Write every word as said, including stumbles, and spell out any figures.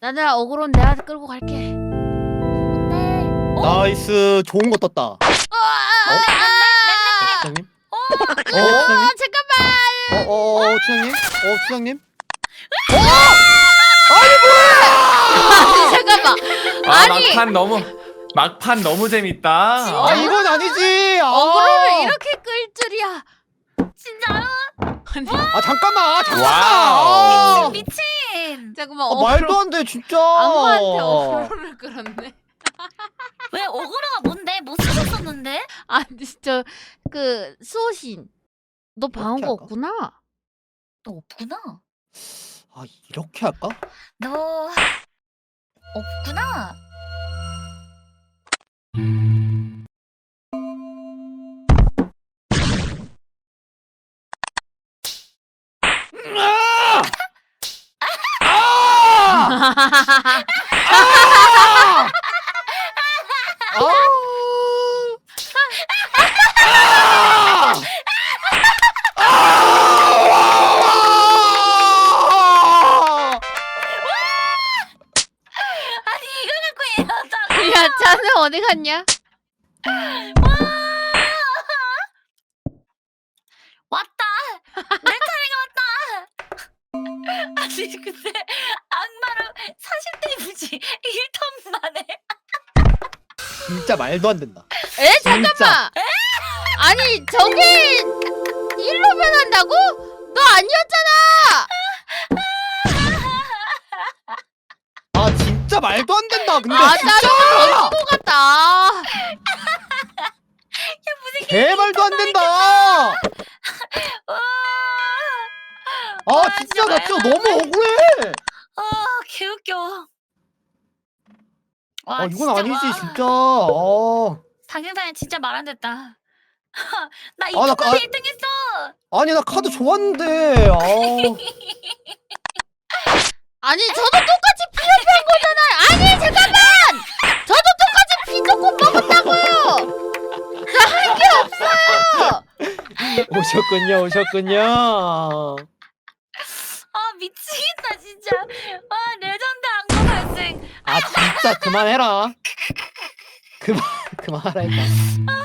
나나 어그로는 내가 끌고 갈게. 네. 나이스. 좋은 거 떴다. 어? 아, 추장님? 어? 어? 아, 추장님? 잠깐만. 어? 어? 어? 추장님? 어? 추장님? 아니, 잠깐만. 아 아니. 막판 너무 막판 너무 재밌다. 아 이건 아니지. 아, 어그로를 이렇게 끌 줄이야. 진짜요? 아니, 아 잠깐만. 아, 잠깐만. 와우. 아, 미친. 잠깐만. 아, 어그로. 말도 안 돼 진짜. 악마한테 어그로를 끌었네. 왜 어그로가 뭔데? 못 쓰셨었는데? 아니 진짜 그 수호신. 너 방어가 할까? 없구나. 너 없구나. 아 이렇게 할까? 너 없구나. 아! 아! 아! 아! 아니 이걸 갖고 이러다가. 야, 자네 어디 갔냐? 왔다. 내 차례가 왔다. 아니 근데 악마랑 사십 대 무지 일 턴 만에. 진짜 말도 안 된다. 에 진짜. 잠깐만. 아니 저게 일로 변한다고? 너 아니었잖아. 아 진짜 말도 안 된다. 근데 아, 진짜 나도 던진 것 같다. 개 말도 안 된다. 와. 아 와, 진짜 나 말도 진짜 안 너무 돼. 억울해. 아 개웃겨. 와 아 이건 진짜 아니지 와. 진짜. 아. 당근사님 진짜 말 안 됐다. 나 아, 나 이쪽까지 아- 일 등 했어. 아니 나 카드 좋았는데. 아. 아니 저도 똑같이 피업한 거잖아. 아니 잠깐만. 저도 똑같이 피 조금 먹었다고요. 나 할 게 없어요. 오셨군요 오셨군요. 아 미치겠다 진짜. 와 레전드 악마 발생. 아 진짜 그만해라. 그만 그만하라 했다.